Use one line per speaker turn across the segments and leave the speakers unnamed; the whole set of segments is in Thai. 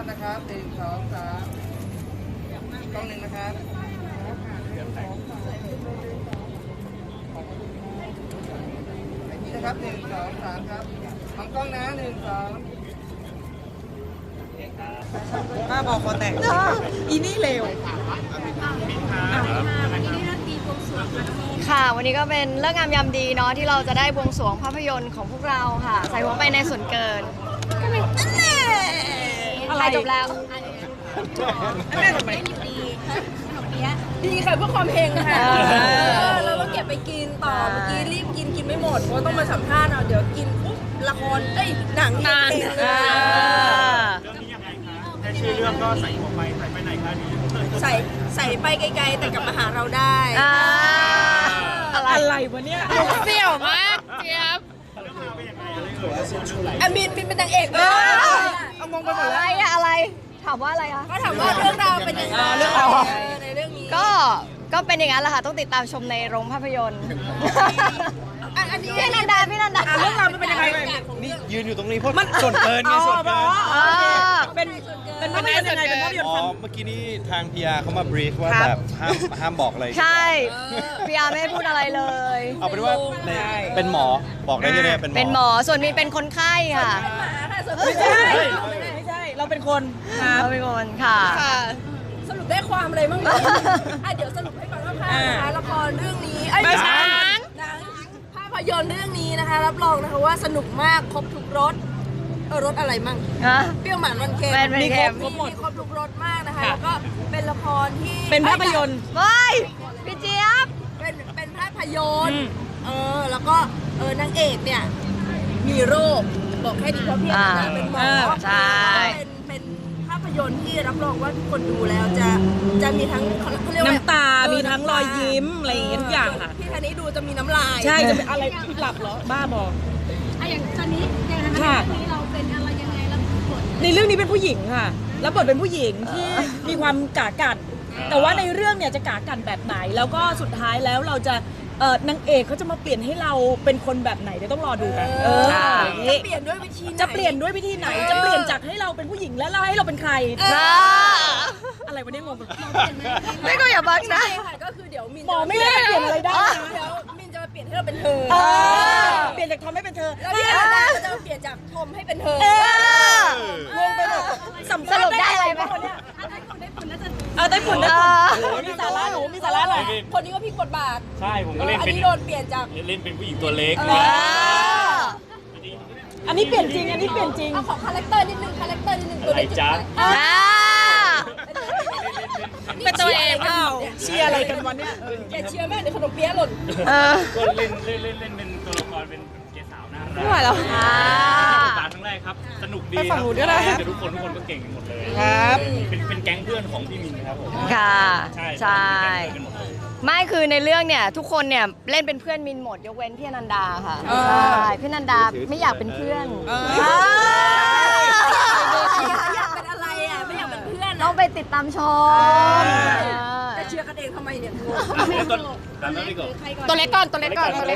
พนะครับ1 2 3กล้องหนึ่งนะครับนี่นะครับ1 2 3ครับของกล้องนะ1 2ป้าบอกคอแตกอีนี่เร็ว
ค่ะวันนี้ก็เป็นเรื่องงามยามดีเนาะที่เราจะได้บวงสรวงภาพยนตร์ของพวกเราค่ะใส่หัวไปในส่วนเกินอะไรจบแล้ว
ดีค่ะเพื่อความเฮงค่ะเราก็เก็บไปกินต่อเมื่อกี้รีบกินไม่หมดเพราะต้องมาสัมภาษณ์เอาเดี๋ยวกินปุ๊บละครหนังเรื่องนี้
ยังไงคะแค่ชื่อเรื่องก็ใส่หัวไปใส่ไปไหนคะนี้
ใส่ไปไกลๆแต่กลับมาหาเราได้
อะไร
วะเนี่ย
เสี่ยวมากเจี๊ยบ
มินเป็นนางเอก
เอามองไปหมดแล้ว
อะไรถามว่าอะไรคะ
ก็ถามว่าเรื่องราวเป็นยังไงในเรื่องนี้
ก็เป็นอย่างนั้นแหละค่ะต้องติดตามชมในโรงภาพยนตร์
อันนี้
พี่นันดาเ
รื่องราวมันเป็นยังไง
นี่ยืนอยู่ตรงนี้เพราะส่วนเกินไงส่วนเกิน
เป็นภาพยนตร์ยังไงเป็นภาพยนตร์
เมื่อกี้นี้ทางพีอาร์เขามาบรีฟว่าแบบห้ามบอกอะไร
ใช่พีอาร์ไม่ให้พูดอะไรเลย
เอาเป็นว่าเป็นหมอบอกได้ที่นี่
เป็นหมอส่วนมีเป็นคนไข้ค่ะ
ไม่ใช่เราเป็นคน
เราเป็นคนค่ะ
สรุปได้ความอะไรบ้างเดี๋ยวสรุปให้ก่อนว่าละครเรื่องนี้หนังภาพยนตร์เรื่องนี้นะคะรับรองนะคะว่าสนุกมากครบทุกรสรสอะไรมั่งเปรี้ยวหวานมันเค็ม
มีค
รบทุกรสมากนะคะแล้วก็เป็นละครที่
เป็นภาพยนตร์ว้ายพี่เจี๊ยบ
เป็นภาพยนตร์แล้วก็นางเอกเนี่ยมีโรคบอกแค่ดีเพราะพี่เป็นหมอ
ใช่
เป็นภาพยนตร์ที่รับรองว่าทุกคนดูแล้วจะมีทั้งเขาเรียกว่า
น้ำตามีทั้งรอยยิ้มอะไรอย่างเงี้ยทุกอย่างค่ะ
พี่ธนี้ดูจะมีน้ำลาย
ใช่จะเป็นอะไรพี่หลับเหรอบ้าบอก
อย่างตอนนี้อย่างนั้นนี้เราเป็นอะไรยังไงแล้วบท
ในเรื่องนี้เป็นผู้หญิงค่ะแล้วบทเป็นผู้หญิงที่มีความกากัดแต่ว่าในเรื่องเนี่ยจะกากัดแบบไหนแล้วก็สุดท้ายแล้วเราจะนางเอกเขาจะมาเปลี่ยนให้เราเป็นคนแบบไหนเดี๋ยวต้องรอดูกัน
จะเปลี่ยนด้วยวิธีไหน
จะเปลี่ยนด้วยวิธีไหนจะเปลี่ยนจากให้เราเป็นผู้หญิงแล้วให้เราเป็นใครอะไรวะเนี่ยงง
ไม่ก็อย่าบังนะ
ก็คือเดี๋ยวมิน
หมอไม่ได้เปลี่ยนอะไรได้
เดี๋ยวมินจะมาเปลี่ยนให้เราเป็นเธอ
เปลี่ยนจากทอมให้เป็นเธอ
แล้วพี่อาดาจะมาเปลี่ยนจากทอมให้เป็นเธอง
งไปหมด
สรุปได้อะไรไหม
ได้ผลมีสาระหนูมีสาระหน่อย
คนนี้ก็พลิกบทบาท
ใช่ผมก็เล่นเป็น
โดนเปลี่ยนจาก
เล่นเป็นผู้หญิงตัวเล็ก
อันนี้เปลี่ยนจริง
เอาของคาแรคเตอร์นิดนึงตัวเล็ก
จ้า
เป็นตัวเอง
เชียร์อะไรกันวันนี้
แกเชียร์แม่เดี๋ยวขนมเปี๊ยะหล่น
ก็เล่นเป็นตัวละครเป็นเกสาวน่ารัก
ไม่ไหวแล้ว
ตาครั้งแรกครับสนุกดี
ฝั่งหนูด้วยนะ
แต่ทุกคนก็เก่งกันหมดเลย
ครับ
เป็นแก๊งเพื่อนของพี่มินครับผม
ค่ะใช่
ไม่
คือในเรื่องเนี่ยทุกคนเนี่ยเล่นเป็นเพื่อนมินหมดยกเว้นพี่นันดาค่ะใช่พี่นันดาไม่อยากเป็นเพื่อน
อยากเป็นอะไรไม่อยากเป็นเพื่อน
ต้องไปติดตามชม
จะเชียร์กันเองทำไมเนี่ย
ตัวเล็กก่อน
เป็นใครคะ
เป็น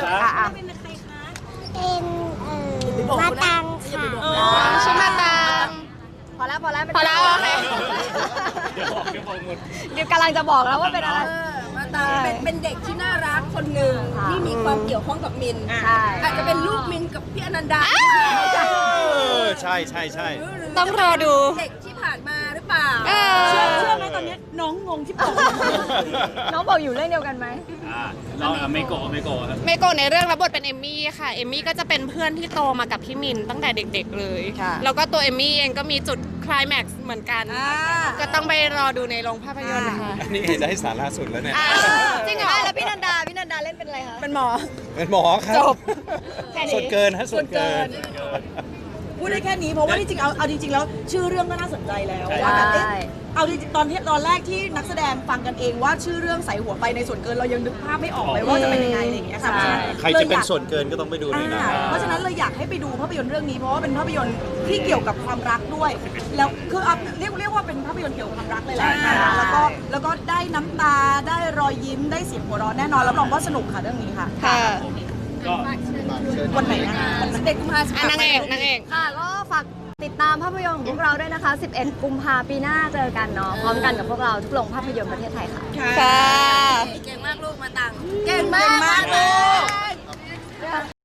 มาตังค่ะชื่อมาตังพอแล้วโอเค
เดี๋ยวบอกหมด
เดี๋ยวกำลังจะบอกแล้วว่าเป็นอะไร
มาตังเป็นเด็กที่น่ารักคนหนึ่งที่มีความเกี่ยวข้องกับมินอาจจะเป็นลูกมินกับพี่อนันดา
ใช่
ต้องรอดู
เด็กที่ผ่านมาหรือเปล่า
เชื่อไหมตอนนี้น้องงงที่บอก
น้องบอกอยู่เรื่องเดียวกันไหม
เราไม่โกครับ
เมโกะในเรื่องรับบทเป็นเอมมี่ค่ะเอมมี่ก็จะเป็นเพื่อนที่โตมากับพี่มินตั้งแต่เด็กๆเลยแล้วก็ตัวเอมมี่เองก็มีจุดไคลแม็กซ์เหมือนกันก็ต้องไปรอดูในโรงภาพยนตร์นะคะ
นี่ได้สาระสุดแล้วเนี่ย
จริงเหรอแล้วพี่นันดาเล่นเป็นอะไรคะ
เป็นหมอ
ครับจบส่วนเกินส่วนเกิน
พูดได้แค่นี้เพราะว่าที่จริงเอาจริงๆแล้วชื่อเรื่องก็น่าสนใจแล้วว่าแบบเอาจริงๆตอนแรกที่นักแสดงฟังกันเองว่าชื่อเรื่องใส่หัวไปในส่วนเกินเรายังนึกภาพไม่ออกเลยว่าจะเป็นยังไงอะไรอย่างเงี้ยค่ะ
ใครจะเป็นส่วนเกินก็ต้องไปดูเลยนะ
เพราะฉะนั้นเลยอยากให้ไปดูภาพยนตร์เรื่องนี้เพราะว่าเป็นภาพยนตร์ที่เกี่ยวกับความรักด้วยแล้วคือเรียกว่าเป็นภาพยนตร์เกี่ยวกับความรักเลยแหละแล้วก็ได้น้ำตาได้รอยยิ้มได้เสียงหัวเราะแน่นอนรับรองว่าสนุกค่ะเรื่องนี้ค่ะวันไหนนะ
เด็กกุมภาพันธ์
นางเอก
ค่ะก็ฝากติดตามภาพยนตร์ของพวกเราด้วยนะคะ 11 กุมภาพันธ์ปีหน้าเจอกันเนาะพร้อมกันกับพวกเราทุกโรงภาพยนตร์ประเทศไทยค่ะ
เก่งมากลูกมาตังเก่งมาก
เก่งมากลูก